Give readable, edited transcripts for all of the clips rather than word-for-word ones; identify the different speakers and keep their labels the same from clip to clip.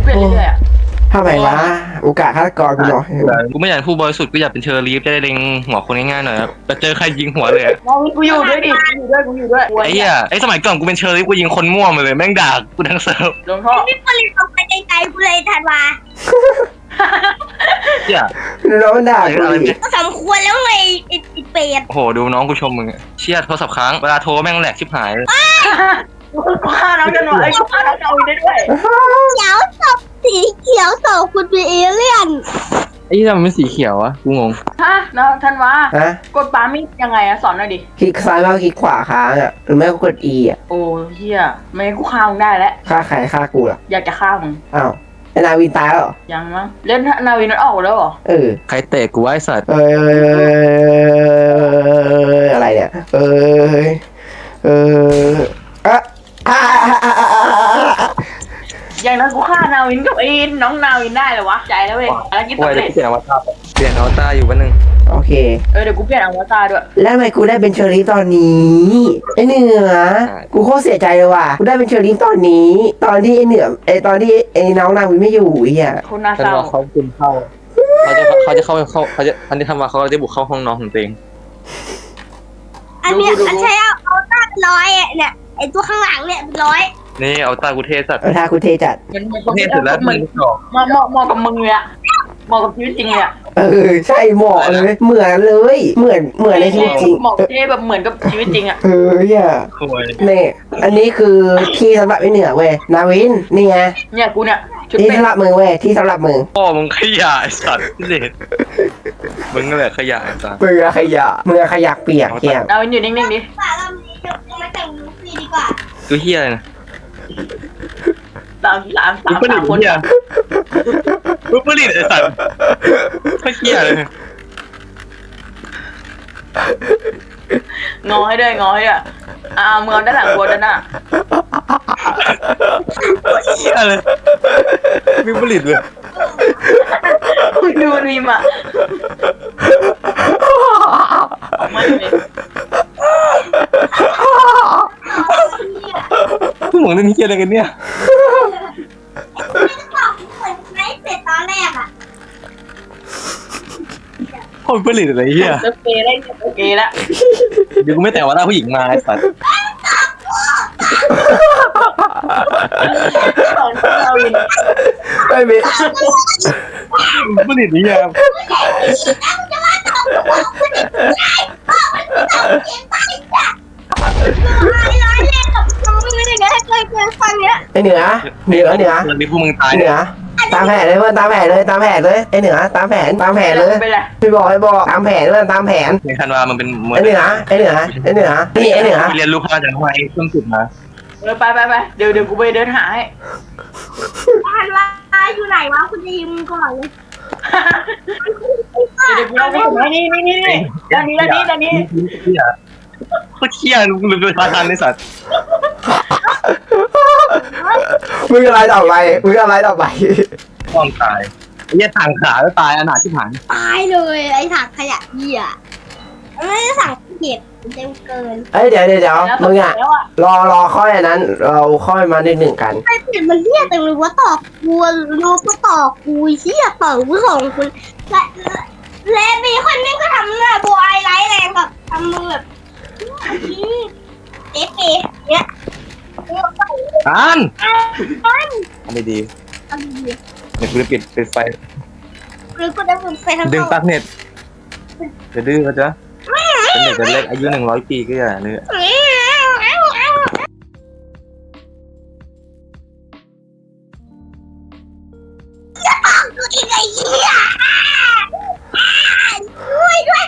Speaker 1: ลี่ยนเรื่อยๆอ่ะ
Speaker 2: ทำไมวะโอกาสฆาตกรกูน้อย
Speaker 3: กูไม่อยากเป็นผู้บริสุทธิ์กูอยากเป็นเชอร์ลีฟจะได้เล็งหัวคนง่ายๆหน่อยครับแต่เจอใครยิงหัวเลยอะ
Speaker 1: มองกูอยู่ด้วยดิกูอยู่ด้วย
Speaker 3: ไอ้เหี้ยไอ้สมัยก่อนกูเป็นเชอร์ลีฟกูยิงคนมั่วมาเลยแม่งด่ากูทั้งเซิร์ฟ
Speaker 1: ลงท่อ
Speaker 4: พี่ผลิตออกไปไกลๆกูเลยทันวา
Speaker 3: เหี้ย
Speaker 2: น้องมันด่ากูอีก
Speaker 4: ก็สมควรแล้วไงไอ้เป็ด
Speaker 3: โอ้โหดูน้องกูชมมึงอะเชี่ยโทรศัพท์ค้างเวลาโทรแม่งแหลกชิบหาย
Speaker 1: กูฆ่าน้องกันวะไอ้กูฆ่าน้องเอาได้ด้วย
Speaker 4: เขียวศพสีเขียวศพคุณเป็นเอเลี่ยน
Speaker 3: ไอ้ที่ทำไมเป็นสีเขียววะกูงง
Speaker 1: ฮะน้องทันวา
Speaker 2: ฮะ
Speaker 1: กดปามีดยังไงอะสอนหน่อยดิ
Speaker 2: คลิกซ้ายแล้วคลิกขวาค้างอ่ะหรือไม่ก็กด E อ่ะ
Speaker 1: โอ้เฮียไม่งั้นกูฆ่ามึงได้แล้ว
Speaker 2: ฆ่าใครฆ่ากูล่ะ
Speaker 1: อยากจะฆ่ามึง
Speaker 2: อ้าวไอ้นาวินตายแล้วเหรอ
Speaker 1: ยังมั้งเล่นนาวินมันออกแล้วเหรอ
Speaker 2: เออ
Speaker 3: ใครเตะกูไอ้สัตว์
Speaker 2: อะไรเนี่ยอะอ่า
Speaker 1: อย่างนั้นกูฆ่านาวินกับไอ้น้องนาวินได้เหรอวะใจแล้วเว้ยแล้วกิน
Speaker 3: กู
Speaker 1: สำ
Speaker 3: จะ
Speaker 1: เร็จ
Speaker 3: เปลี่ยนอวตารเปลี่ยนอวตารอยู่วันหนึ่ง
Speaker 2: โอเค
Speaker 1: เดี๋ยวกูเปลี่ยนอวตารด้วย
Speaker 2: แล้วทำไมกูได้เป็นเชอรี่ตอนนี้ไอ้เหนือกูโคตรเสียใจเลยว่ะกูได้เป็นเชอรี่ตอนนี้ ตอนที่ไอ้เหนือตอนที่ไอ้น้องนางวิไม่อยู่เฮีย
Speaker 1: คุณน่า
Speaker 3: ฉัน
Speaker 1: เศร้า
Speaker 3: ว่าเขาคุณเข้าเขาจะเข้าเขาจะอันนี้ทำมาเขาจะบุกเข้าห้องน้องของตัวเอง
Speaker 4: อันเนี้ยอันใช้เอาตั้งร้อยอ่ะเนี่ยไอตัวข้างหลังเนี่ยร้อย
Speaker 3: นี่เอาตากูเทสัตว์
Speaker 2: ถ้ากูเทจัด
Speaker 1: มัน
Speaker 3: เทเสร็จแล้ว
Speaker 1: เหมือนเหมาะกับมึงเลยอะเหมาะกับชีวิตจริงเลยอะ
Speaker 2: ใช่เหมาะเลยเหมือนเลยเหมือนในชีวิตจริง
Speaker 1: เหมาะเท่แบบเหมือนกับชีวิตจริงอะ
Speaker 2: เนี่ย
Speaker 3: โอ้ย
Speaker 2: นี่อันนี้คือที่สำหรับไอ้เหนือเว้ยนาวินนี่ไง
Speaker 1: เนี่ยกูเนี่ยชุด
Speaker 2: ที่
Speaker 1: เป็น
Speaker 2: สำหรับมึงเว้ยที่สำหรับมึง
Speaker 3: พ่อมึงขยะไอ้สัตว์พิเศษมึงนั่นแหละขยะไอ้สัตว์
Speaker 2: มือขยะมือขยะเปียกเฮีย
Speaker 1: นาวินอยู่นิ่งๆดิ
Speaker 4: ป่าเรานี้เดี๋ยวกูมาแต่งลูฟี่ดีกว่า
Speaker 3: กูเฮียอะไรนะ
Speaker 1: สาม
Speaker 3: มึงผลิต
Speaker 1: คน
Speaker 3: เฮียมึงผลิตไอ้สัตว์ก็เฮียเลย
Speaker 1: งอให้ด้วยงอให้ด้วยเมืองด้านหลังบัวด้านหน้า
Speaker 3: เฮียเลยมึงผลิตเลย
Speaker 1: ดูนี่มาออกมาเลย
Speaker 3: พวกมึงเล่นเฮียอะไรกันเนี่ย
Speaker 4: ไม่ต้องบอกกูเหมือนไม่เสร็จตอนแรกอ่ะ
Speaker 3: คนผลิตอะไรเฮีย
Speaker 1: เลิกเกย์ได้โอเคแล้ว
Speaker 3: เดี๋ยวกูไม่แต่ว่าหน้าผู้หญิงมาไอ้สัตว์
Speaker 1: สอนนาวิน
Speaker 2: ไม่มี
Speaker 3: ผลิตนี่ยัง
Speaker 4: ร้อยเล่นกับมึงไม่ได้ไงเคยฟังเนี้ย
Speaker 2: ไอ้เหนือ
Speaker 3: มีพวกมึงตาย
Speaker 2: เหนือตามแผนเลยเพื่อนตามแผนเลยไอ้เหนือตามแผนเลย
Speaker 1: เป็นไร
Speaker 2: พี่บอกตามแผนเพื่อนตามแผน
Speaker 3: ในคันว่ามันเป็นเหมือน
Speaker 2: ไอ้เหนือนี่ไอ้เหนือ
Speaker 3: เรียนรู้พาจากทำไมเครื่องจุดมา
Speaker 1: ไปเดี๋ยวกูไปเดินหาให้
Speaker 4: ทันว่าอยู่ไหนวะคุณจะยิงก่อนเลย
Speaker 1: เดี๋ยวกูเอาไปนี่ด้านนี้
Speaker 3: เฮียโคตรเฮียลุงเป็นพาทันในสัตว์
Speaker 2: มึงอะไรต่อไป
Speaker 3: ต้องตายเฮียทางขาแล้วตายอนาถที่ผ่าน
Speaker 4: ตายเลยไอ้ถังขยะเหี้ยไม่ได้สั่งเก็บเต็มเกิน
Speaker 2: เอ้ยเดี๋ยวมึงอ่ะรอข้อนั้นเราข้อมาหนึ่งกัน
Speaker 4: ไอ้เปลี่ยนมันเหี้ยแต่รู้ว่าตอกกูรู้ก็ตอกกูเหี้ยต่อกูส่งคุณและมีคนนึงก็ทำหน้าบัวไอไลท์แรงแบบทำมือแบบเอ๊ะเนี้ย
Speaker 3: อัน
Speaker 4: อัน
Speaker 3: อันดี
Speaker 4: อันดี
Speaker 3: เดี๋ยวกูจะปิดไฟ
Speaker 4: หรือกูจะฝึกไปทาง
Speaker 3: ดึงปลั๊กเน็ตจะดื้อเขาจะเป็นเด็กเล็กอายุ100 ปีก็อย่าเลย
Speaker 4: กูอีกไอ้เหี้ยด้วย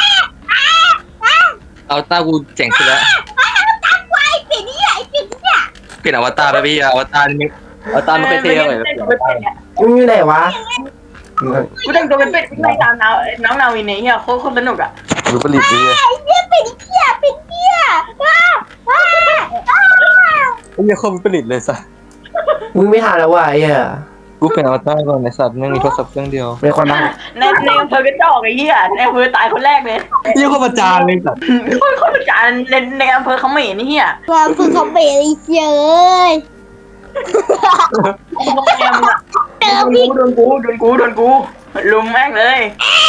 Speaker 3: เอาตากูเจ๋งขึ้นแล้ว
Speaker 4: ตามไว้ปิดนี่ไอ้ปิดเนี่ย
Speaker 3: เปลี่ยนอวตารไปพี่อวตารนี่อวตารมันไปเท่เลย
Speaker 2: มึงอยู่ไหนวะ
Speaker 1: กูแต่งตัวเป็นเป็ดไปตามน้องนาวินเนี่ยโคตรสนุกอ่ะ
Speaker 3: ดูผลิตดี
Speaker 4: ไอ้เหี้ยปิดเหี้ยว้า
Speaker 3: ไอ้เหี้ยเขาผลิตเลยสัส
Speaker 2: มึงไม่ทันแล้วว่ะไอ้เหี้ย
Speaker 3: กูเป็นอวตารก่อนในสัตว์ไม่มีโทรศัพท์เครื่องเดียว
Speaker 2: เป็นคนบ้า
Speaker 1: ในอำเภอกระจอกไอ้เหี้ยในอำเภอตายคนแรกเลย
Speaker 3: เหี้ยเขาประจานเลยสัตว์
Speaker 1: คนประจานในอำเภอเขาไม่เห็นนี่เหี้ย
Speaker 4: ความคือเขาเบรเฉย
Speaker 1: โรงแรมอะโดนกูลุมแม่งเลย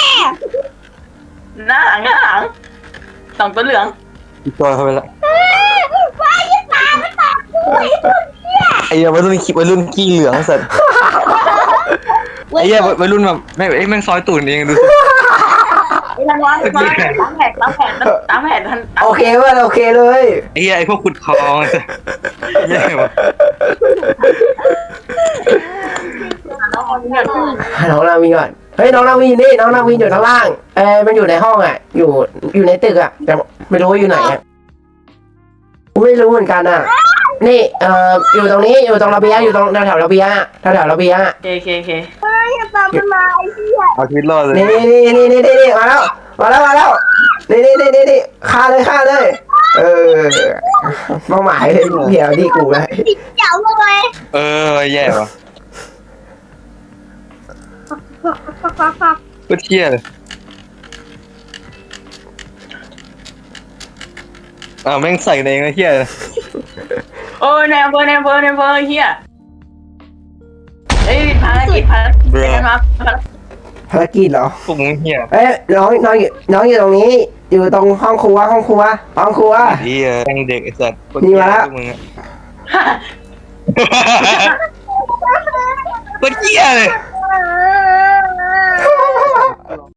Speaker 1: หน้าหลังสองตัวเหลือง
Speaker 3: พี่จอยเข้าไปละ
Speaker 4: ว้ายตาไม่ตากูไอ้ตัวเหี้ย
Speaker 3: ไอ้เหี้ยวัยรุ่นขี้เหลืองสัตว์ไอ้เหี้ยวัยรุ่นแบบแม่งซอยตูดเองดูสิ
Speaker 1: ไอ้ทันวะตามแผนทัน
Speaker 2: โอเคเว้ยโอเคเลย
Speaker 3: ไอ้เหี้ยไอ้พวกขุดคลองไอ้สัตว์แย่ว่ะ
Speaker 1: น้องเอาเงิน
Speaker 2: น้องนาวินก่อนเฮ้ยน้องนาวินนี่น้องนาวินอยู่ข้างล่างมันอยู่ในห้องอ่ะอยู่ในตึกอ่ะแต่ไม่รู้ว่าอยู่ไหนอ่ะกูไม่รู้เหมือนกันอ่ะนี่อยู่ตรงนี้อยู่ตรงระเบียงอยู่ตรงแถวระเบียงอะแถวระเบียงอะ
Speaker 1: เค
Speaker 4: ว้ายตามันมาไอ้เหี้ย
Speaker 3: เอาชีวิตรอดเลย
Speaker 2: นี่มาแล้วนี่ฆ่าเลยเป้าหมายเดี๋ยวที่กูเลย
Speaker 4: ติดเจ๋วเลย
Speaker 3: แย่ว่ะก็เที่ยเลยแม่งใส่ในเองนะเที่ยเลย
Speaker 1: โอ้ยแนมเบอร์เฮียเอ้ยภารกิจมา
Speaker 2: ภารกิจเหรอ
Speaker 3: พวกมึงเที่ย
Speaker 2: น้องอยู่ตรงนี้ อยู่ตรงห้องครัว
Speaker 3: เที่ยแม่งเด็กไอ้สัตว์พวกมึงอะก็เที่ยเลย